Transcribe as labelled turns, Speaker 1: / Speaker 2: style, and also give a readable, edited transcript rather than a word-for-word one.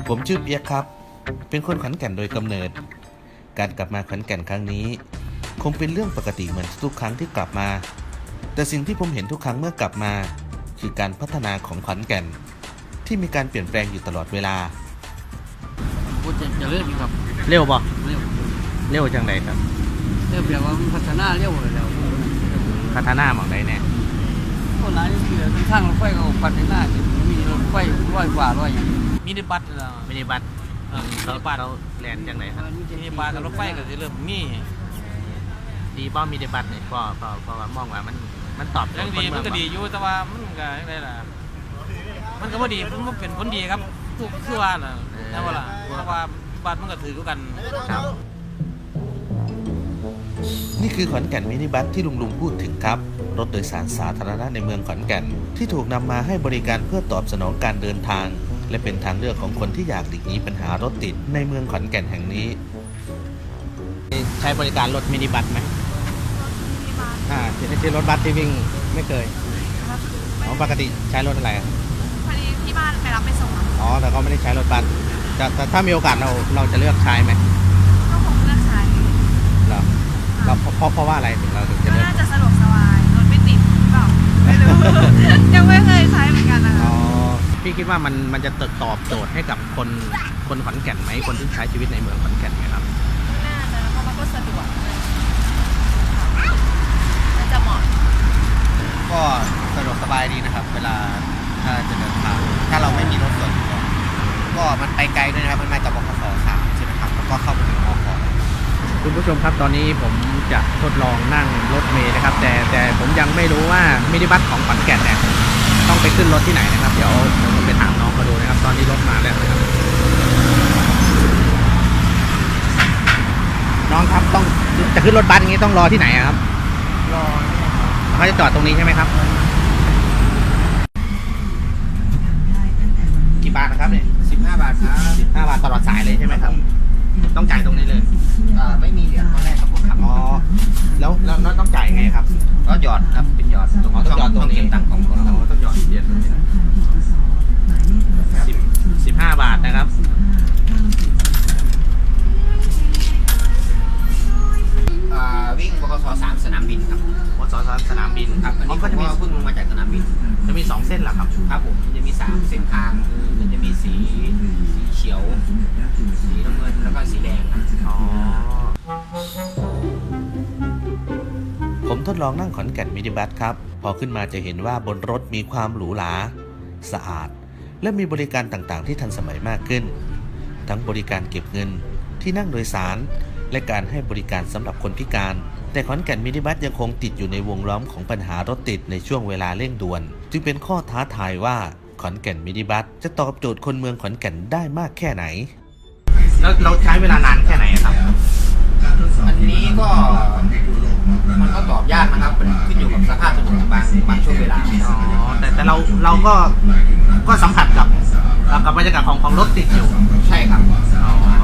Speaker 1: ผมชื่อเปียกครับเป็นคนขอนแก่นโดยกำเนิดการกลับมาขอนแก่นครั้งนี้คงเป็นเรื่องปกติเหมือนทุกครั้งที่กลับมาแต่สิ่งที่ผมเห็นทุกครั้งเมื่อกลับมาคือการพัฒนาของขอนแก่นที่มีการเปลี่ยนแปลงอยู่ตลอดเวลา
Speaker 2: พูดจะเลื่อนอยู่ครับ
Speaker 3: เร็วบ่
Speaker 2: เร็ว
Speaker 3: เร็วจังไดครับ
Speaker 2: เร็วแปลว่ามันพัฒนาเร็วเลยแล้ว
Speaker 3: พัฒนาหม่องใดแน่
Speaker 2: คนหลายที่เหลือทางรถไฟก็พัฒนามีรถไฟร้อยกว่าร้อยอย่างมินิบัสแล้ว
Speaker 3: มินิบัสเราแลนจังไดครับ
Speaker 2: มินิบัสกับรถไฟก็จะเริ่มมี
Speaker 3: ดีบ่มินิบัสเนี่ยก็ว่ามองว่ามันตอบ
Speaker 2: ยังดีมันก็ดีอยู่แต่ว่ามันก็อะไรล่ะมันก็บ่ดีมันเป็นผลดีครับทุกคือว่าน่ะใช่ป่ะล่ะเพราะว่าบัสมันก็ถือกัน
Speaker 3: ครับ
Speaker 1: นี่คือขอนแก่นมินิบัสที่ลุงพูดถึงครับรถโดยสารสาธารณะในเมืองขอนแก่นที่ถูกนำมาให้บริการเพื่อตอบสนองการเดินทางและเป็นทางเลือกของคนที่อยากหลีกหนีปัญหารถติดในเมืองขอนแก่นแห่งนี้
Speaker 3: ใช้บริการรถมินิบัสไหมที่รถบัสที่วิ่งไม่เคยปกติใช้รถอะไร
Speaker 4: พอดีที่บ้านไปรับไปส่ง
Speaker 3: แต่ก็ไม่ได้ใช้รถบัสแต่ถ้ามีโอกาสเราจะเลือกใช้ไหม
Speaker 4: ก็คงเลือกใช้
Speaker 3: เหรอเพราะว่าอะไรถึงเราถึงจะเลือก
Speaker 4: น่าจะสะดวกสบายรถไม่ติดหรือเปล่าไม่รู้ยังไม่เคยใช้เหมือนกันนะคะ
Speaker 3: พี่คิดว่ามันจะตอบโจทย์ให้กับคนขอนแก่นไหมคนที่ใช้ชีวิตในเมืองขอนแก่นไหมครับ
Speaker 4: น่าจะเพราะมันก็สะดวกน่าจะเหมาะ
Speaker 3: ก็สะดวกสบายดีนะครับเวลาถ้าจะเดินทางถ้าเราไม่มีรถส่วนตัวก็มันไปไกลด้วยนะครับมันมาจากบขส3ใช่ไหมครับแล้วก็เข้าไปถึงมขคุณผู้ชมครับตอนนี้ผมจะทดลองนั่งรถเมล์นะครับแต่ผมยังไม่รู้ว่ามินิบัสของขอนแก่นเนี่ยต้องไปขึ้นรถที่ไหนนะครับเดี๋ยวผมไปถามน้องเขาดูนะครับตอนนี้รถมาแล้วนะครับน้องครับต้องจะขึ้นรถบัสอย่างนี้ต้องรอที่ไหนครับ
Speaker 2: รอ
Speaker 3: เขาจะจอดตรงนี้ใช่ไหมครับกี่บาทนะครับเนี่ย
Speaker 2: 15 บาทครับ
Speaker 3: 15 บาทตลอดสายเลยใช่ไหมครับต้องจ่ายตรงนี้เลย
Speaker 2: ไม่มีเหรียญตอนแรกครับผมครับ
Speaker 3: แล้วต้องจ่ายไงครับ
Speaker 2: ก็หยอดครับเป็นหยอด
Speaker 3: ต้องหยอดตรงนี้
Speaker 2: ตังค์ของเรา
Speaker 3: ต้องหยอดเหรียญ15 บาทนะครับ
Speaker 2: วิ่งบขส3สนามบินครับ
Speaker 3: บขส3สนามบิน
Speaker 2: ครับอันนี้ก็จะมีเพิ่งลงมาจากสนามบิน
Speaker 3: จะมี2เส้นเหรอครับ
Speaker 2: ครับผมจะมี3เส้นทางคือมันจะมีสีเขียวสีน้ำเงินแล้วก็สีแดงครับ
Speaker 1: ผมทดลองนั่งขอนแก่นมินิบัสครับพอขึ้นมาจะเห็นว่าบนรถมีความหรูหราสะอาดและมีบริการต่างๆที่ทันสมัยมากขึ้นทั้งบริการเก็บเงินที่นั่งโดยสารและการให้บริการสำหรับคนพิการแต่ขอนแก่นมินิบัสยังคงติดอยู่ในวงล้อมของปัญหารถติดในช่วงเวลาเร่งด่วนจึงเป็นข้อท้าทายว่าขอนแก่นมินิบัสจะตอบโจทย์คนเมืองขอนแก่นได้มากแค่ไหน
Speaker 3: แล้วเราใช้เวลานานแค่ไหนครับ
Speaker 2: อันนี้ก็มันก็ตอบยากนะครับขึ้นอยู่กับสภาพถนนบางช่วงเวลา
Speaker 3: แต่เราก็สัมผัสกับบรรยากาศของรถติดอยู่
Speaker 2: ใช่ครับ